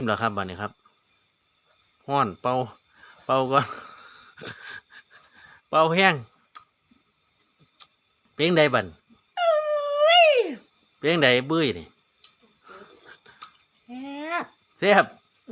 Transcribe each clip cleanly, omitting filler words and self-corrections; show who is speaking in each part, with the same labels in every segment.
Speaker 1: นี่แหละครับบัดนี้ครับห้อนเป่าก่อนเป่าแห้งเพียงใดบันเพียงใดบื้อนี่แซ่บ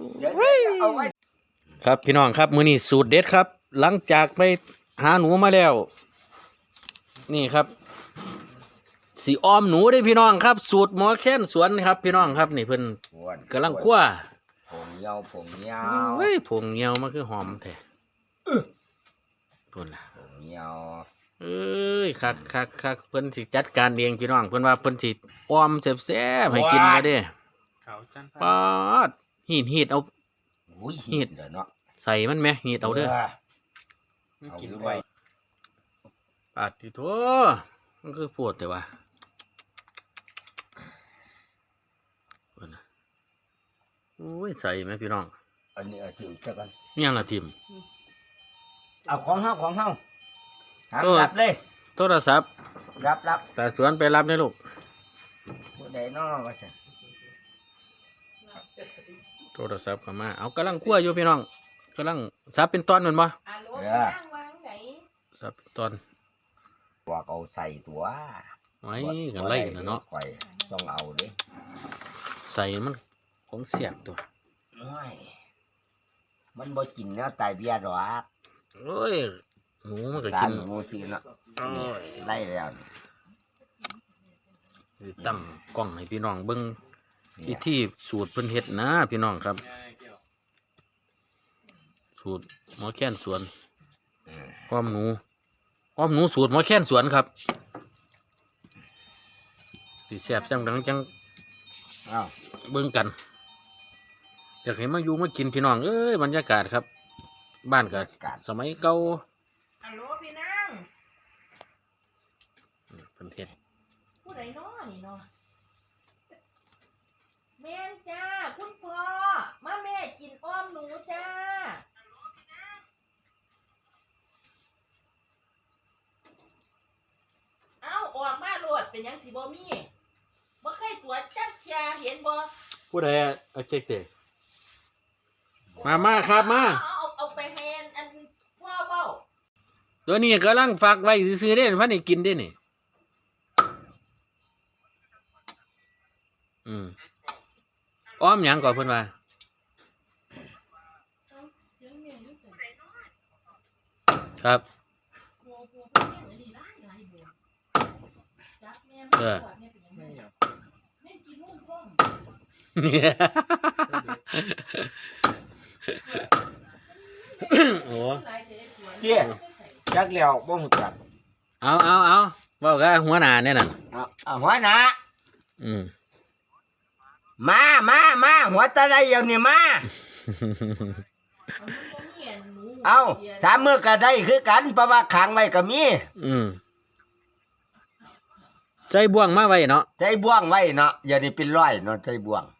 Speaker 1: ครับพี่น้องครับมื้อนี้สูตรเด็ดครับ หลังจากไปหาหนูมาแล้ว นี่ครับสีอ้อมหนูได้พี่น้องครับ สูตรหมอแค้นสวนครับพี่น้องครับนี่เพิ่นกำลังคั่ว
Speaker 2: ผงเยาผงเยา
Speaker 1: เฮ้ยผงเหี่ยวมันคือหอมแท้พุ่นล่ะ
Speaker 2: ผงเยา
Speaker 1: เอ้ยคักเพิ่นสิจัดการเองพี่น้องเพิ่นว่าเพิ่นสิอ้อมแซ่บๆให้กินมาเด้ปาดหีดเอา
Speaker 2: หีดเด้อเนาะ
Speaker 1: ใส่มันแม่หีดเอาเด้อ
Speaker 2: กินไว้
Speaker 1: ปาดที่โถมันคือปวดแต่ว่าโอ้ยใส่ไหมพี่น้อง
Speaker 2: อันนี้จิ้มจักกัน
Speaker 1: ยังละทิม
Speaker 2: เอาของเฮารับเลย
Speaker 1: โทรศัพท์
Speaker 2: รับ
Speaker 1: แต่สวนไปรับได้ลูก
Speaker 2: ผู้ใดน้อว่าซั่น
Speaker 1: โทรศัพท์เข้ามาเอากำลังคั่วอยู่พี่น้องกำลังซับเป็นตอนเหมือนบ่ซับเป็นตอน
Speaker 2: ตัวเอาใส่ตัว
Speaker 1: ไว้กันไล่กันเนาะ
Speaker 2: ต้องเอาเด้
Speaker 1: ใส่มันของเสียบตัว
Speaker 2: มันบ่กินเนื้อตายเบียดหรอก
Speaker 1: โอ้ยหนูมันก็กิน
Speaker 2: หมูสิเนาะไล่แล้ว
Speaker 1: ตั้มกล้องให้พี่น้องเบิ่งที่สูตรเพิ่นเฮ็ดนะพี่น้องครับสูตรหมอแค้นสวนอ้อมหนูสูตรหมอแค้นสวนครับสิแซ่บจังจังเบิ่งกันอยากเห็นมาอยู่มากินพี่น้องเอ้ยบรรยากาศครับบ้านก็สมัยเก่า
Speaker 3: ฮัลโหลพี่นาง
Speaker 1: เป็นเทศ
Speaker 3: ผู้ใดน้อนี่เนาะแม่นจ้าคุณพ่อมาแม่กินอ้อมหนูจ้าเอาออกมาโลดเป็นยังสิบ่มีบ่เคยตรวจจักเที่ยเห็นบ่
Speaker 1: ผู้ใดเอาเจ๊กเตะมาครับมา
Speaker 3: เอาไปให้อันพ่อเว้า
Speaker 1: ตัวนี้กำลังฝากไว้ซื้อได้พันนี่กินได้นี่อ้อมหยังก่อนเพิ่นว่าครับโอ้
Speaker 2: เจี๊ยจักแล้วบ่ฮู้จัก
Speaker 1: เอาเว้ากับหัวหน้าเนี่ยนั่น
Speaker 2: เอาหัวหน้ามาหัวตะไดอย่างนี้มาเอาถามมือก็ได้คือกันเพราะว่าขังไว้ก็มี
Speaker 1: ใจบ่วงมาไว้เนาะ
Speaker 2: ใจบ่วงไว้เนาะอย่าได้เป็นร้อยเนาะใจบ่วง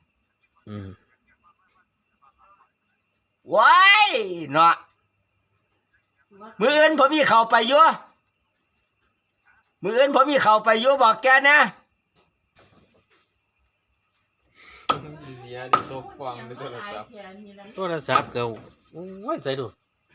Speaker 2: ว้ายเนาะมื้ออื่นผมมีเข้าไปอยู่บอกแกนะ
Speaker 1: โทรศัพท์ก็โอ้ยใส่ดู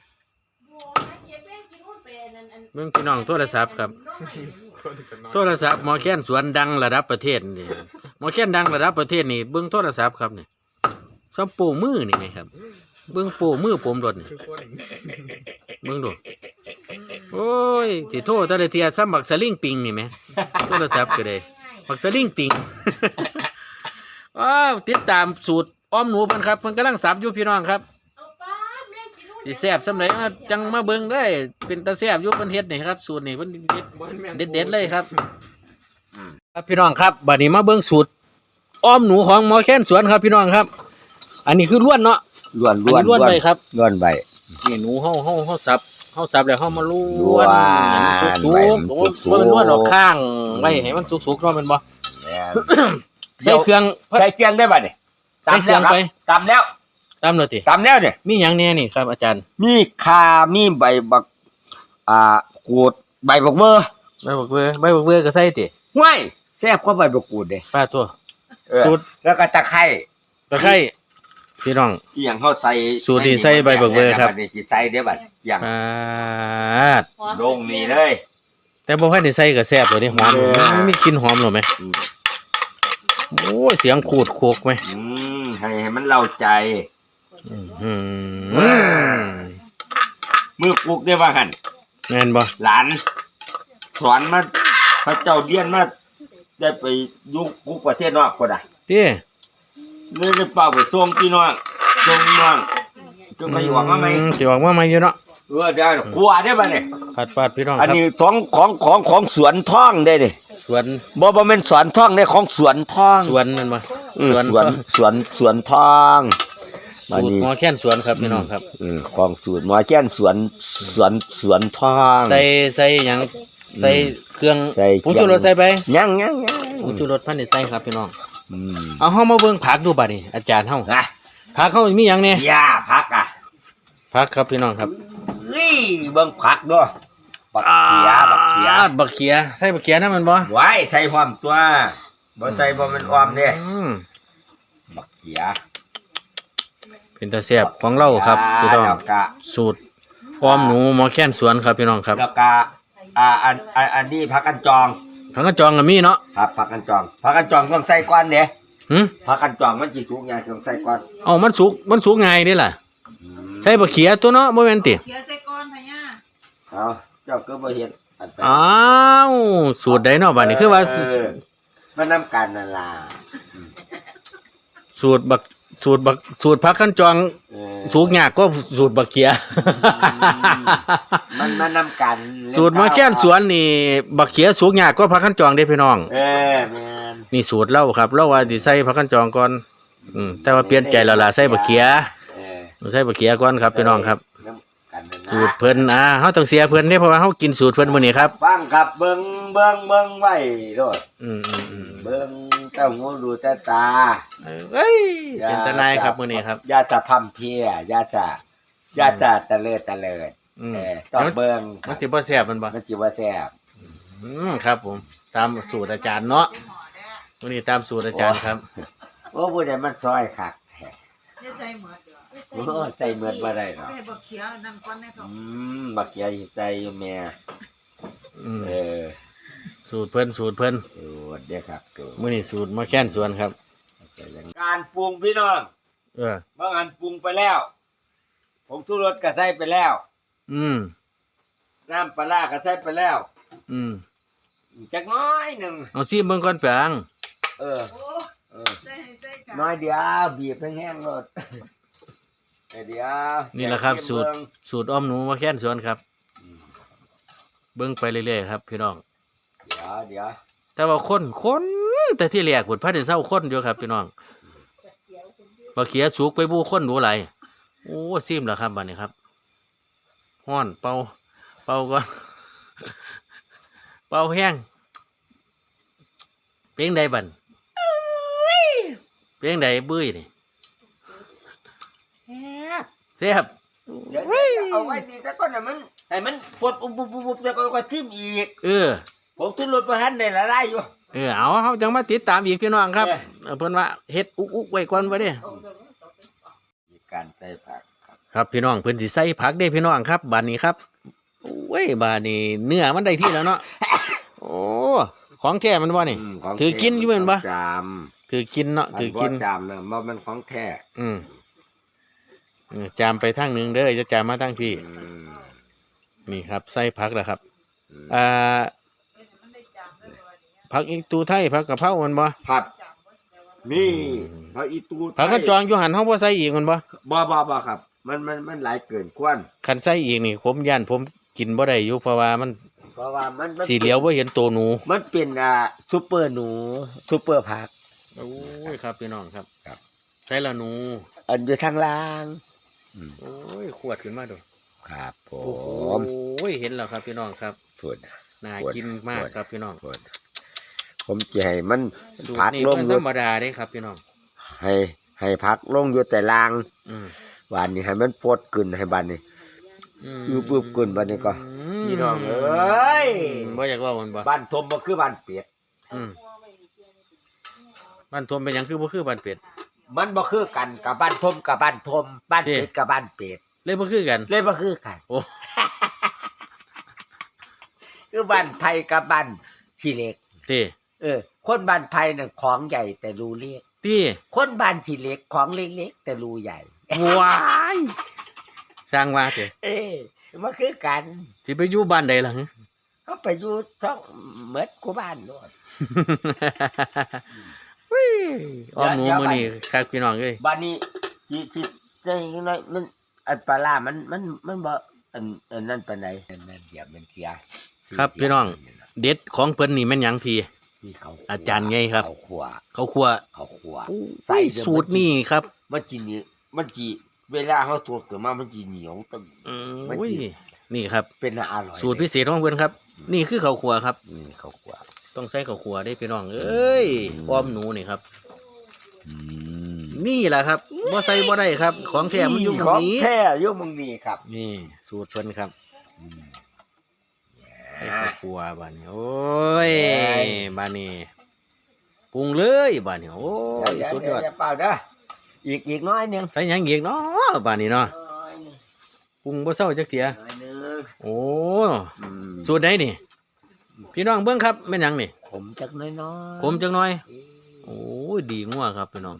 Speaker 1: เบิ่งพี่น้องโทรศัพท์ครับโทรศัพท์หมอแค้นสวนดังระดับประเทศนี่หมอแค้นดังระดับประเทศนี่เบิ่งโทรศัพท์ครับนี่ซัมโปมือนี่ไงครับเบิ่งโปมือผมโดดนี่เบิ่งดูโอ้ยสิโทรแต่ละเที่ยซ้ำบักสลิงปิงนี่แหมโทรศัพท์ก็ได้บักสลิงปิงว้าวติดตามสูตรอ้อมหนูเพิ่นครับเพิ่นกำลังสับอยู่พี่น้องครับสิแซ่บสำหรับจังมาเบิ่งได้เป็นตาแซ่บอยู่เพิ่นเฮ็ดนี่ครับสูตรนี่เพิ่นเด็ดเลยครับครับพี่น้องครับบัดนี้มาเบิ่งสูตรอ้อมหนูของหมอแค้นสวนครับพี่น้องครับอันนี้คือล้วนเนาะ
Speaker 2: ล้วน
Speaker 1: ไปครับ
Speaker 2: ล้วนไป
Speaker 1: นี่หนูเฮาสับแล้วเฮามาล้วนสุกๆบ่มันล้วนออกข้างไว้ให้มันสุกๆเนาะแม่นบ่ใส่เครื่อง
Speaker 2: ได้บัดนี่
Speaker 1: ใส่เครื่องไป
Speaker 2: ตำแล้ว
Speaker 1: ติ
Speaker 2: ตำแล้วนี่
Speaker 1: มีหยังแน่นี่ครับอาจารย์
Speaker 2: มีข่ามีใบบักกูดใบบักเบอร์
Speaker 1: ก็ใส่ติ
Speaker 2: ห้วยแซ่บกว่าใบบักกูดเด้
Speaker 1: ป้าตัว
Speaker 2: สูตรแล้วก็ตะไคร้
Speaker 1: พี่น้อง
Speaker 2: อีหยังเขาใส่
Speaker 1: สูตรที่ใส่ใบบักเบอร์ครับ
Speaker 2: ดนี้สิใส่เด้อบัดอย่าง
Speaker 1: ปาด
Speaker 2: ลงนี่เลย
Speaker 1: แต่บ่ให้ได้ใส่ก็แซ่บเลยนี่หอม
Speaker 2: เออ
Speaker 1: มันมีกลิ่นหอมหรอไหม
Speaker 2: อืม
Speaker 1: โอ้ยเสียงขูดโคกไหม
Speaker 2: ให้มันเล่าใจ
Speaker 1: อืม
Speaker 2: มือปลุกได้ว่าหั่น
Speaker 1: แม่นบ่
Speaker 2: หลานสอนมาพระเจ้าเรียนมาได้ไปอยุคกุกประเทศนอกก็ได้
Speaker 1: ติ
Speaker 2: เลยได้เป่าไปส่งพี่น้องส่งน้องก็ไปหวังว่าไหม
Speaker 1: สิออกมาใหม่อยู่เนาะ
Speaker 2: ได้กลัวได้ป่ะเนี่ย
Speaker 1: ปาดพี่น้อง
Speaker 2: อัน
Speaker 1: ครับ
Speaker 2: นี้ของสวนท่องได้ดิ
Speaker 1: สวน
Speaker 2: บ่แม่นสวนท่องได้ของสวนท่อง
Speaker 1: สวนนั่นบ่
Speaker 2: สวนท่อง
Speaker 1: สูตรหมอแค้นสวนครับพี่น้องครับ
Speaker 2: ของสูตรหมอแจ้นสวนท่อง
Speaker 1: ใส่หยังใส่เครื่อง
Speaker 2: ใส่เครื่อง
Speaker 1: ผงชูรสใส่ไป
Speaker 2: ยัง
Speaker 1: ผงชูรสพันธุ์ใส่ครับพี่น้อง
Speaker 2: อืม
Speaker 1: เอาเฮามาเบิ่งผักดูบัดนี้อาจารย์เฮา
Speaker 2: นะ
Speaker 1: ผักเฮามีหยังแน่
Speaker 2: ย่าพักอ่ะ
Speaker 1: ผักครับพี่น้องครับ
Speaker 2: นี่เบิ่งผักด้วยบักเขีย
Speaker 1: บักเขียใส่บักเขียนะมันบ่
Speaker 2: ไว้ใส่ความตัวบ่ใส่บ่มันออมเด้
Speaker 1: อืม
Speaker 2: บักเขีย
Speaker 1: เป็นตาแซ่บของเราครับพี่น้อง
Speaker 2: แล้วก็
Speaker 1: สูตรออมหนูหมอแค้นสวนครับพี่น้องครับ
Speaker 2: แล้วก็อันนี้ผักกันจอง
Speaker 1: ผักกระจองก็มีเนาะ
Speaker 2: ครับผักกันจองต้องใส่ก่อนเด้
Speaker 1: หึ
Speaker 2: ผักกันจองมันสิสุกยากต้องใส่ก่อน
Speaker 1: เอ้ามันสุกง่ายเด้ล่ะ
Speaker 2: อืม
Speaker 1: ใส่บักเขียตัวเนาะบ่แม่นติ
Speaker 3: เขียวใส่ก้อนพะย่า
Speaker 2: เอาเจ้าก็บ่เฮ็ดอันไป
Speaker 1: อ้าวสูตรใดเนาะบัดนี้คือว่า
Speaker 2: มันนํกันนั่นล่ะ
Speaker 1: สูตรผักขั้นจอง
Speaker 2: เออ
Speaker 1: สูกยากก็สูตรบักเขีย
Speaker 2: มันนํกัน
Speaker 1: สูตรหมาแค้นสวนนี่บักเขียสูกยากก็ผักขั้นจองเด้พี่น้อง
Speaker 2: เออแม่น
Speaker 1: นี่สูตรเล่าครับเล่าว่าสิใส่ผักขั้นจองก่อนแต่ว่าเปลี่ยนใจแล้วล่ะใส่บักเขีย
Speaker 2: เออ
Speaker 1: ใส่บักเขียก่อนครับพี่น้องครับ
Speaker 2: น้ำกันนั่นนะ
Speaker 1: สูตรเพิ่นเฮาต้องเสียเพิ่นเด้เพราะว่าเฮากินสูตรเพิ่นมื้อนี้ครับ
Speaker 2: ฟังครับเบิ่งไว้โลด
Speaker 1: อืม
Speaker 2: เบิ่งเต้าหูดูแต่ตา
Speaker 1: เอ้ยเป็นตาหนายครับมื้อนี้ครับ
Speaker 2: อย่าจะพร่ำเพรียอย่าจะตะเลิด
Speaker 1: อืม
Speaker 2: ต้องเบิ่ง
Speaker 1: มันสิบ่แซ่บมันบ่
Speaker 2: มันสิว่าแซ่บ
Speaker 1: ครับผมตามสูตรอาจารย์เนาะมื้อนี้ตามสูตรอาจารย์ครับ
Speaker 2: โอ้ผู้ใดมันซอยคักแท้
Speaker 3: ได้ใส่หมดเด้อ
Speaker 2: โอ้ใส่เหมือนบ่ได้เนาะ
Speaker 3: ได้บักเขียวนั่นก้อนในท้อง
Speaker 2: บักเขียสิใส่อยู่แม่
Speaker 1: อืม
Speaker 2: เออ
Speaker 1: สูตรเพิ่น
Speaker 2: เด้อครับตัว
Speaker 1: มื้อนี้สูตรหมาแค้นสวนครับ
Speaker 2: การปรุงพี่น้อง
Speaker 1: เออบ
Speaker 2: างอันปรุงไปแล้วผงชูรสก็ใส่ไปแล้ว
Speaker 1: อืม
Speaker 2: น้ำปลาร้าก็ใส่ไปแล้ว
Speaker 1: อืม
Speaker 2: จักน้อยหนึง
Speaker 1: เอาซิมเบิ่งก่อนแปง
Speaker 2: เออ
Speaker 3: โอ้
Speaker 2: เออ
Speaker 3: ใส่ให้ใส่กัน
Speaker 2: น้อยเดียวบีบแห้งๆรถเดี๋ยว
Speaker 1: นี่แหละครับสูตร
Speaker 2: เบิ่ง
Speaker 1: สูตรอ้อมหนูหมาแค้นสวนครับ เบิ่งไปเรื่อยๆครับพี่น้อง
Speaker 2: เดี๋ยว
Speaker 1: แต่ว่าคนแต่ที่แรกพุ่นพาได้เซาคนอยู่ครับพี่น้องบักเขียสุกไปบูคนดูหลายโอ้ซิมแล้วครับบัดนี้ครับฮ้อนเป่าก่อน เป่าแห้งเพียงใดบันเพียงใดบื้ยนี่แซ่บ
Speaker 2: เดี๋ยวเอาไว้นี่แต่ก่อนน่ะมันให้มันปวดปุ๊บแล้วก็ชิมอีก
Speaker 1: เออ
Speaker 2: ผมทุนรถประทันได้ละลายอยู่
Speaker 1: เอาเฮาจังมาติดตามอีกพี่น้องครับ
Speaker 2: เออ
Speaker 1: เพิ่นว่าเฮ็ดอุกไว้ก่อนบ่เด้
Speaker 2: มีการใส่ผักครับ
Speaker 1: ครับพี่น้องเพิ่นสิใส่ผักเด้พี่น้องครับบัดนี้ครับโอ้ยบัดนี้เนื้อมันได้ที่แล้วเนาะ โอ้ของแท้มันบ่นี่
Speaker 2: ของ
Speaker 1: ถือกินอยู่แม่นบ่
Speaker 2: จาม
Speaker 1: ถือกินเนาะถือกิน
Speaker 2: จามเนาะมันของแท้
Speaker 1: อืมจามไปทางหนึงเด้อจะจามมาทางพี่
Speaker 2: อืม
Speaker 1: นี่ครับใส่ผักแล้วครับ
Speaker 2: อืม
Speaker 3: มันได้จำได้บ่ว่าเนี่ย
Speaker 1: ผักอีตูไทยผักกะเพรามันบ่
Speaker 2: ผัด
Speaker 3: จำบ่ได้ว่า
Speaker 2: นี่ผักอีตู
Speaker 1: ผักกระจองอยู่หันเฮาบ่ใส่อีกมันบ่
Speaker 2: บ่ครับ มันหลายเกินควร
Speaker 1: คันใส่อีกนี่ผมย่านผมกินบ่ได้อยู่เพราะว่ามัน
Speaker 2: เพราะว่ามัน
Speaker 1: สีเหลียวบ่เห็นตัวหนู
Speaker 2: มันเป็นซุปเปอร์หนูซุปเปอร์ผัก
Speaker 1: โอ้ยครับพี่น้องครับ
Speaker 2: ครับ
Speaker 1: ใส่ละหนู
Speaker 2: อันอยู่ทางล่าง
Speaker 1: โอ้ยขวดขึ้นมาดู
Speaker 2: ครับผ
Speaker 1: โอ้
Speaker 2: ม
Speaker 1: ยเห็นแล้วครับพี่น้องครับ
Speaker 2: ส่วน
Speaker 1: น่ากินมากครับพี่น้อง
Speaker 2: ส่วนผมจะให้มัน
Speaker 1: สูตร
Speaker 2: พัก
Speaker 1: นี้
Speaker 2: ลง
Speaker 1: เพิ่น
Speaker 2: อ
Speaker 1: ธร
Speaker 2: ยู่
Speaker 1: รมดาเด้ครับพี่น้อง
Speaker 2: ให้พักลงอยู่แต่ล่าง
Speaker 1: อืม
Speaker 2: บานนี้ให้มันปวดกึ่นให้บานนี้ อยู่ปุ๊บขึ้นบัดนี้ก็
Speaker 1: ม
Speaker 2: พี่น้องเอ้ย
Speaker 1: บ่อยากเว่ามันบ่
Speaker 2: บ้านทมบ่คือบ้านเป็ด
Speaker 1: อืมบ้านทวมเป็นหยังคือบ่คือบ้านเป็ด
Speaker 4: มันบ่คือกันกับบ้านทมกับบ้านทมบ้านเป็ดกับบ้านเป็ด
Speaker 1: เลยบ่คือกัน
Speaker 4: เลยบ่คือกัน
Speaker 1: โอ้
Speaker 4: คือบ้านไผกับบ้านขี้เหล็ก
Speaker 1: เต้
Speaker 4: คนบ้านไผน่ะของใหญ่แต่รูเล็ก
Speaker 1: ตี
Speaker 4: คนบ้านขี้เหล็กของเล็กๆแต่รูใหญ่
Speaker 1: ว้ายสร้างว่าเต้
Speaker 4: มันคือกัน
Speaker 1: สิไปอยู่บ้านใดล่ะหึ
Speaker 4: เขาไปอยู่ช่องเหมือนกูบ้านโน่น
Speaker 1: วิอ้อมหนู
Speaker 4: เดี๋ยว
Speaker 1: มื้อนี้ครับพี่น้องเอ้ย
Speaker 4: บ้านนี้สิได้ยังไงมันอันปลาร้ามันบ่อันนั้นปานใดอันนั้นเดี๋ยวมันเสีย
Speaker 1: ครับพี่น้อง เด็ดของเพิ่นนี่แม่นหยังพี่
Speaker 4: มีเขา
Speaker 1: อาจารย์ไงครับ
Speaker 4: เขาขัว
Speaker 1: เขาครัว
Speaker 4: เขาขัว
Speaker 1: ใส่สูตรนี่ครับ
Speaker 4: มันจีนี่มันจีเวลาเขาตัวเกิดมามันจีเหนียวตึง มัน
Speaker 1: อุ้ย
Speaker 4: กิน
Speaker 1: นี่ครับ
Speaker 4: เป็นอร่อย
Speaker 1: สูตรพิเศษของเพิ่นครับ นี่คือข้าวครัวครับ
Speaker 4: นี่เขาขัว
Speaker 1: ต้องใส่ข้าวครัวได้พี่น้องเอ้ยอ้อมหนูนี่ครับนี่แหละครับบ่ใส่บ่ได้ครับ ของแท้มันอยู่ตร
Speaker 4: ข
Speaker 1: ง
Speaker 4: อง
Speaker 1: นี้
Speaker 4: แท้อยู่มึงนี่ครับ
Speaker 1: นี่สูตรเพิ่นครับ
Speaker 4: อืม
Speaker 1: ใส่ข้าวครัวบ้านนี้โอ้ยบ้านนี้ปรุงเลยบ้านนี้โอ้ยสุดยอด
Speaker 4: เปล่าเด้ออีกน้อยหนึง
Speaker 1: ใส่หยังอีกเนาะบ้านนี้เนาะ
Speaker 4: น้อยหนึง
Speaker 1: ปรุงบ่เซาจักเที่ย
Speaker 4: น้อยหนึง
Speaker 1: โอ้
Speaker 4: อืม
Speaker 1: สูตรไหนนี่ พี่น้องเบิ่งครับแม่นหยังนี่
Speaker 4: ขมจักน้อยๆ
Speaker 1: ขมจังหน่อย โอ้ยดีงัวครับพี่น้อง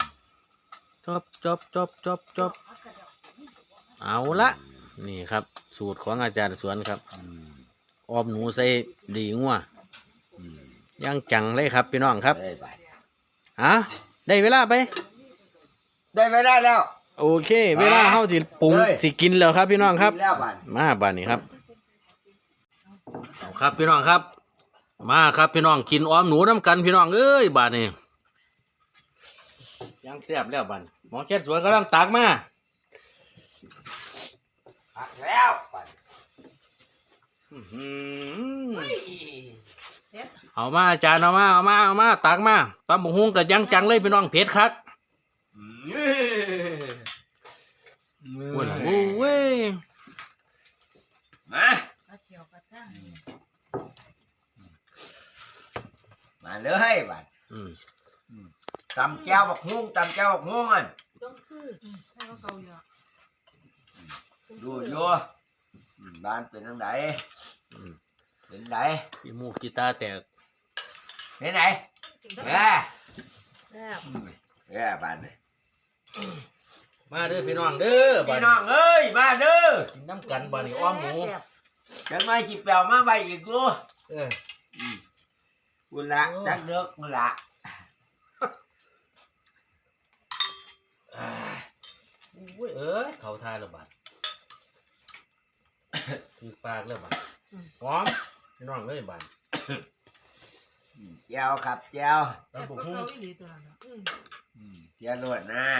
Speaker 1: จบเอาละนี่ครับ สูตรของอาจารย์สวนครับ
Speaker 4: อืม
Speaker 1: อ้อมหนูใส่ดีงัว
Speaker 4: อืม
Speaker 1: ย่างจังเลยครับพี่น้องครับ
Speaker 4: ได้ไป
Speaker 1: ฮะได้เวลาไป
Speaker 4: ได้ไม่ได้แล้ว
Speaker 1: โอเค เวลาเฮาสิปรุง
Speaker 4: เฮ้ย
Speaker 1: สิกินแล้วครับพี่น้องครับ
Speaker 4: กินแล้วบัด
Speaker 1: มาบ้านนี้ครับเอาครับพี่น้องครับ มาครับพี่น้องกินอ้อมหนูน้ำกันพี่น้องเอ้ยบ้านนี้ยังแซ่บแล้วบ้านหมอแค่สวนกำลังตักมา
Speaker 4: ผักแล้วบัด
Speaker 1: อื้อหือเอามาอาจารย์เอามาตักมาตำบักหุ่งกับยังจังเลยพี่น้องเผ็ดคักโอ้ยล่ะโอ้ย
Speaker 4: มามาเลยบัด
Speaker 1: อืม
Speaker 4: ตำแก้วบักฮุ้งตำแก้วบักฮุ้งอันดูอยู่บ้านเป็นทางไหน
Speaker 1: อืม
Speaker 4: เป็นไหน
Speaker 1: พี่มูกกีตาร์แตก
Speaker 4: เป็นไหนแย่แย่บ้านนี่
Speaker 1: มาเด้อพี่น้องเด้อบ้า
Speaker 4: พี่
Speaker 1: น
Speaker 4: น้องเอ้ยมาเด้อ
Speaker 1: กินน้ำกันบ้านนี้อ้อมหมู
Speaker 4: จังไม่จิบเปล่ามาใบอีกดู
Speaker 1: เออ
Speaker 4: กุละจักเด้อกุละ
Speaker 1: โอ้ยเอ้ยเขาทายแล้วบ้านคือปากแล้วบ้านหอมพี่น้องเลยบ้าน
Speaker 4: เจ้าครับเจ้า
Speaker 1: ตำบักหุ่ง
Speaker 4: เจ้าลวดหน้า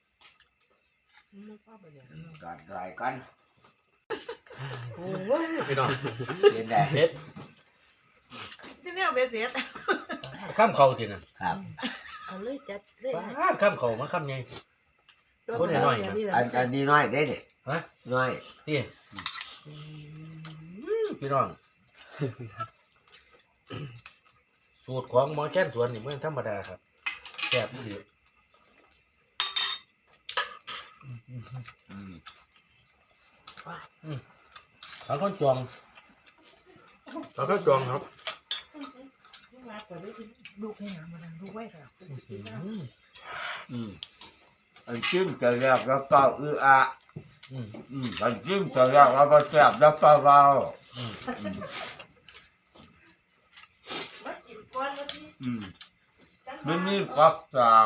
Speaker 4: ก่อนรอยก่อน
Speaker 1: โอ้ยพี่น้อง
Speaker 4: เป็นไง
Speaker 1: เผ็ด
Speaker 3: ที่เนี่ยเบ็ดเสร็จ
Speaker 1: ข้ามเขาทีน่ะ
Speaker 4: ครับ
Speaker 3: เอาเลยจัดเลย
Speaker 1: ป้าข้ามเขามาข้ามไง คนน้อยๆนะ
Speaker 4: อันนี้น้อยได้ดิ
Speaker 1: ฮะ
Speaker 4: น้อย
Speaker 1: นี่พี่น้อง สูตรของหมอแค้นสวนนี่มันธรรมดาครับแซ่บดี เขาข้าวจองเขาข้าวจองครับ
Speaker 3: ลูกให้หนามันลูกไว้ค่ะ
Speaker 4: อันจิ้มจะแรกแล้วก็อะ
Speaker 1: อืม
Speaker 4: อันจิ้มจะแรกแล้วก็แซ่บแล้วก็เบา
Speaker 3: มากินก้อนแล้วที่
Speaker 4: มันนี่ฟักสาง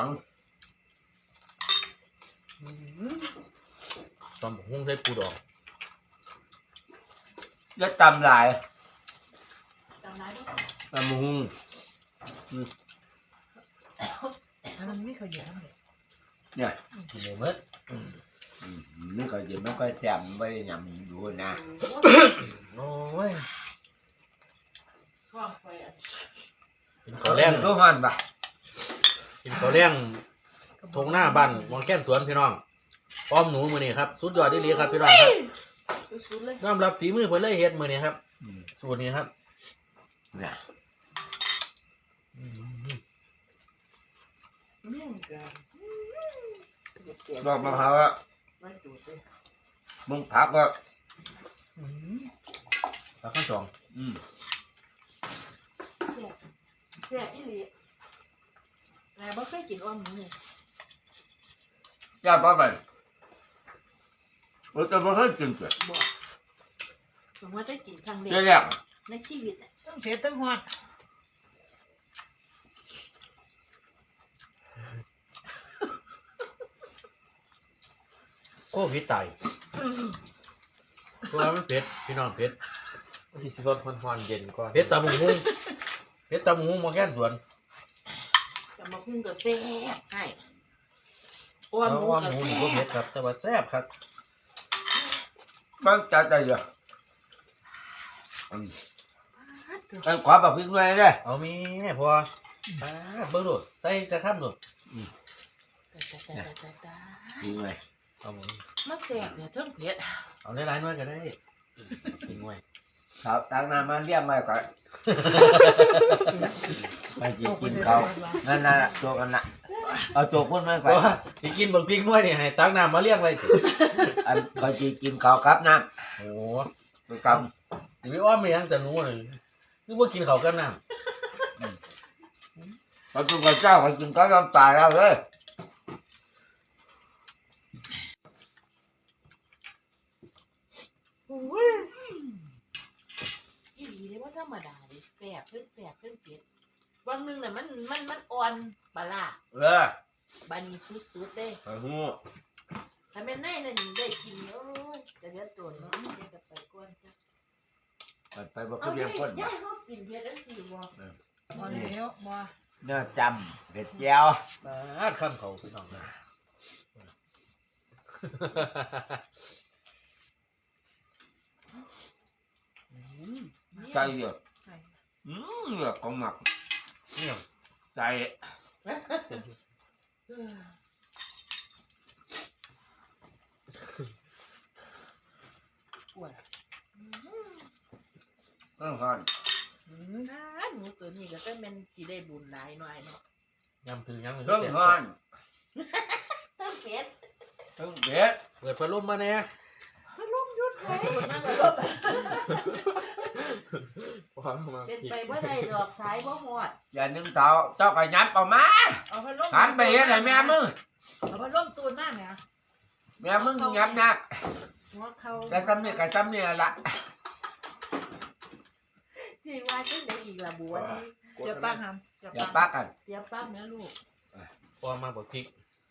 Speaker 1: ตอนผมหุ้งใส่ปูดอง
Speaker 4: แล้วตำลาย
Speaker 3: จำได้ไหม
Speaker 4: ตำหุ้ง
Speaker 3: อันนั้นไม่เคยเยอะเลย
Speaker 4: เนี่ย
Speaker 1: กินเลยเมื่อ
Speaker 4: นี่ก็จะไม่ค่อยแซ่บไม่ได้ยำดูนะ
Speaker 1: โอ้ย
Speaker 3: ว่างไปอ่ะ
Speaker 1: กินข้าวแรง
Speaker 4: ทุกคนปะ
Speaker 1: กินข้าวแรงทงหน้าบ้านหมองแค้นสวนพี่น้องป้อมหนูมือนี่ครับสุดยอดที่ลีครับพี่น้องครับ
Speaker 3: สุดเลย
Speaker 1: ยอมรับฝีมือเพิ่นเลยเฮ็ดมือนี่ครับสูตรนี้ครับ
Speaker 4: เนี่ย
Speaker 3: เมี่ยงกัน
Speaker 2: ดอกมะพร้าวอะ
Speaker 3: มันดูดเลย
Speaker 2: มึงผักก็
Speaker 1: แล้วข้าวจอง
Speaker 3: แซ่บอีหลีแต่บ่เคยกินอ้อมหมูนี่
Speaker 2: ย่าป้าไปเราจะไม่เคยกินเกิด
Speaker 3: บ่ผมว่าได้กินครั้งแร
Speaker 2: เจ๊
Speaker 3: ก
Speaker 2: แรก
Speaker 3: ในชีวิตอะ
Speaker 5: ต้องเผ็ดต้องหวาน
Speaker 1: โอ้พี่ไตตัวมันเผ็ดพี่น้องเผ็ด
Speaker 6: ที่สดฮอนๆเย็นก่อน
Speaker 1: เผ็ดตำบักหุ่งเผ็ดตำบักหุ่งหมอแค้นสวน
Speaker 3: กับมาพุ่งกับแซ่บใช่อ้อม
Speaker 1: เอา
Speaker 3: หมู
Speaker 1: ว่าห
Speaker 3: กับ
Speaker 1: มู
Speaker 3: แซ่
Speaker 1: นี่ก็เผ็
Speaker 3: บ
Speaker 1: ดครับแต่ว่าแซ่บครับ
Speaker 2: มันจัดใจเยอะอันขวาแบบพริกหน่อยเลย
Speaker 1: เอามีแม่พอเบิ่งโดดใส่กระทำโดด
Speaker 2: พริกหน่อย
Speaker 1: เอาหมู
Speaker 3: มันแซ่บเนี่ยเทั้งเผ็ด
Speaker 1: เอาหลายๆหน่อยก็ได้กินไว้
Speaker 2: ครับตั้งน้ำมาเรียกมาก่อนไปกินเขานั่นน่ะโจกกันน่ะเอาโจกพุ่นมา
Speaker 1: เพ
Speaker 2: ก่อน
Speaker 1: ราะว่าสิกินบักพริกหน่วยนี่ให้ตักน้ำมาเลี้ยงไว้สิ
Speaker 2: อันคอยกินเขาครับน้
Speaker 1: โอ้
Speaker 2: ำไปก
Speaker 1: สิไปอ้อมไม่ยังแต่หนูนี่คือบ่กินข้าวกับน้
Speaker 2: ำพอจุกเจ้าคอยกินเขาน้ำตาแล้วเลย
Speaker 3: อีหลีเลยว่าธรรมดาเลยแซ่บเพิ่งแซ่บเพิ่งเผ็ดวันหนึงน่ะมันอ่อนปลาร้า บานีสุดๆเด้
Speaker 2: ไอ้หู
Speaker 3: ถ้าแม่นในนั่นได้กินโอ้ยจะเดือดตัวเนาะเดี๋ยวจะไปก่อนจ้ะ
Speaker 2: ไปบอก
Speaker 3: เอา
Speaker 2: เรีย
Speaker 3: ได้
Speaker 2: งคน
Speaker 3: ได้เฮากินเผ็ดจังซี่บ่
Speaker 5: บ่แล้วบ่
Speaker 2: เนื้อจำเผ็ดแย้ว
Speaker 1: ำข้ามเขาพี่น้องนะ
Speaker 2: ใจเยอะเลือกของหมัก
Speaker 1: เนี่ย
Speaker 2: ใจ
Speaker 3: ปวด
Speaker 2: ต้องทาน
Speaker 3: หนูตัวนี้ก็ต้องแม่นสิได้บุญหลายหน่อยเนาะ
Speaker 1: ยำถึงยำ
Speaker 2: ต้องทาน
Speaker 3: ตั้งเผ็ด
Speaker 2: ต้องเผ็ด
Speaker 1: เปิดพัดลมมาแน่
Speaker 3: ลุงยุดไว้มันก็ลบ
Speaker 6: ความมา
Speaker 3: เป็นไปบ่ได้ดอกสายบ่ฮอด
Speaker 2: อย่านึ่งเตาเจ้าก็ยับเอามา
Speaker 5: เอาพัดลม
Speaker 2: หันไปเห็นไหนแม่มึง
Speaker 5: เอาพัดลมตูนมาเนี่ย
Speaker 2: แม่มึงยับนัก
Speaker 3: หัวเขา
Speaker 2: แต่ซ้ำนี่กับซ้ำนี่ละ
Speaker 3: สิว่าจังได๋อีกล่ะบัวนี่
Speaker 5: เดี๋ยวปักหำเดี๋ยว
Speaker 2: อย่า
Speaker 5: ปั
Speaker 2: ปั
Speaker 5: ก
Speaker 2: กกัน
Speaker 3: เสียปั๊บแม่ลูก
Speaker 1: พอมาบอกพริก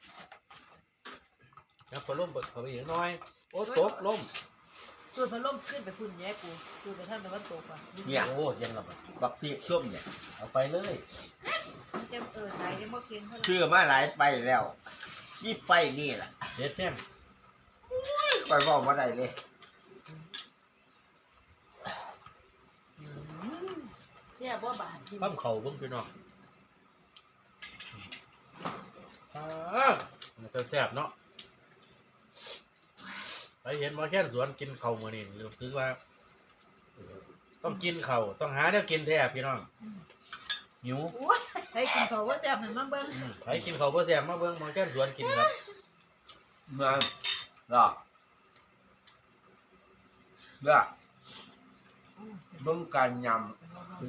Speaker 1: ยำพัดลมเปิดเขาไปอีกหน้อยโอ้ตกลม
Speaker 5: ตูนพัดลมขึ้นไปพุ่นแย่กูตูนไปท่านตะวันตกอ่ะ
Speaker 2: เนี่ย
Speaker 1: โอ้เย็นแล้วบัด
Speaker 2: บักพี่ส้มเนี่ย
Speaker 1: เอาไปเลย
Speaker 5: มันจะสายได้บ่เก่งเท่าไหร่
Speaker 2: ชื่อมาหลายไปแล้วนี่ไปนี่แหละ
Speaker 1: เด็ดแท้ง
Speaker 2: ไปบอกมาได้เลย
Speaker 3: เสียบ่บาดที่
Speaker 1: ปั้มเข่าเบิ่งพี่น้องมันจะแซ่บเนาะไปเห็นหมาแค่นสวนกินเข่าวมื้อนี้รู้สึกว่า ต้องกินเข่าวต้องหาแนวกินแท้พี่น้องหิว
Speaker 5: ให้กินเขาว่าแซ่บให้มันเบิ่ง
Speaker 1: ไปกินข้าวบ่แซ่บมาเบิ่งหมาแค่นสวนกินครับ
Speaker 2: มาหรอเด้อเบิ่งการยำ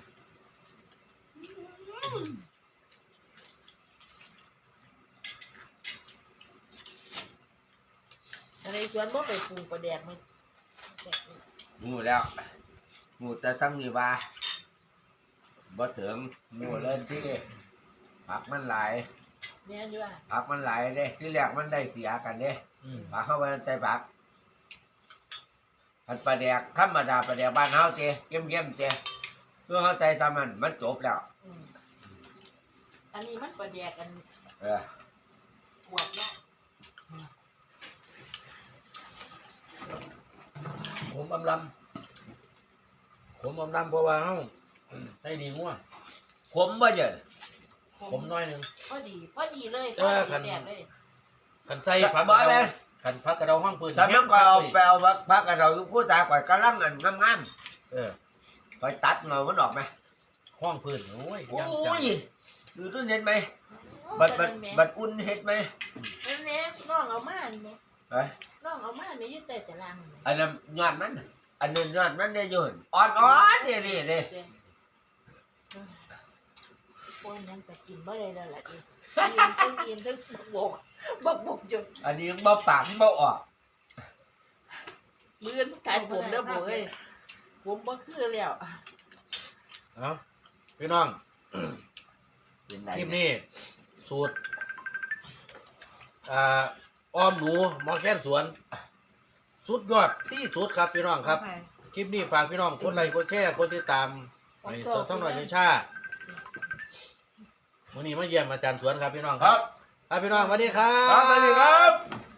Speaker 3: อะไรสวนบ่ไปปลูกประแดกมัน
Speaker 2: งูแล้วงูแต่ทั้งนี้ว่าบ่ถึงงูเล่นที่ผักมันหลาย
Speaker 3: แม่นอยู่ว่า
Speaker 2: ผักมันหลายเด้ที่แรกมันได้เสียกันเด้
Speaker 1: อืม
Speaker 2: ผักเข้าไปใส่ผักอันปลาแดกธรรมดาปลาแดกบ้านเฮาเจ้เยี่ยมๆเจ้เพื่อเข้าใจตามมันจบแล้ว
Speaker 3: อันนี้มันประแดกกัน
Speaker 2: เออ
Speaker 3: ขวดเนาะ
Speaker 1: ผมอำลำผมอำลำเพราะว่าเฮาใส่ดีงัว
Speaker 2: ขมบ่เยอะ
Speaker 1: ผมน้อยหนึง
Speaker 3: พอดีเลย
Speaker 1: เออคัน
Speaker 3: แดกเลย
Speaker 1: คันใส่ผักก
Speaker 2: บ่
Speaker 1: ระ
Speaker 2: เล
Speaker 1: เดาย คันผักกระเดาห้องปืน
Speaker 2: ถ้ามันก็เอาไปเอาผักกระเราอยู่ผู้ตาก่อยกำลังอันงาม
Speaker 1: เออ
Speaker 2: ๆก่อยตัดเงามันออกไหม
Speaker 1: ห้องพื้นโอ้ย
Speaker 2: โอ้
Speaker 1: ยังจัง
Speaker 2: ยดูต้นเห็นไหม
Speaker 3: โอ้
Speaker 2: บัดอุ่นเฮ็ดไหม
Speaker 3: แม่น้องเอามานี่แม่
Speaker 2: เอ้ย
Speaker 3: น้องเอามาแม่อยู่แต่ตารางนี่
Speaker 2: อันนั้นยอดมันน่ะอันนั้นยอดมันได้อยืนอ่อนๆนี่เลย
Speaker 3: ปนยังแต่กินบ่ได้แล้วล่ะดิกินทั้งบักบกจน
Speaker 2: อันนี้บ่ปากบ่ออก
Speaker 3: มื้อนกายผมเด้อบ่เอ้ยผมบ่คือแล้ว
Speaker 7: เอาพี่น้อง
Speaker 2: เป็นไง
Speaker 7: คลิปนี้สูตรอ้อมหนูหมอแค้นสวน สุดยอดที่สุดครับพี่น้องครับ คลิปนี้ฝากพี่น้องกดไลค์กดแชร์กดติดตามในสวนท่องหน่อยในชาวันนี้มาเยี่ยมอาจารย์สวนครับพี่น้องครับครับพี่น้องสวัสดีครับ
Speaker 2: ครับสวัสดีครับ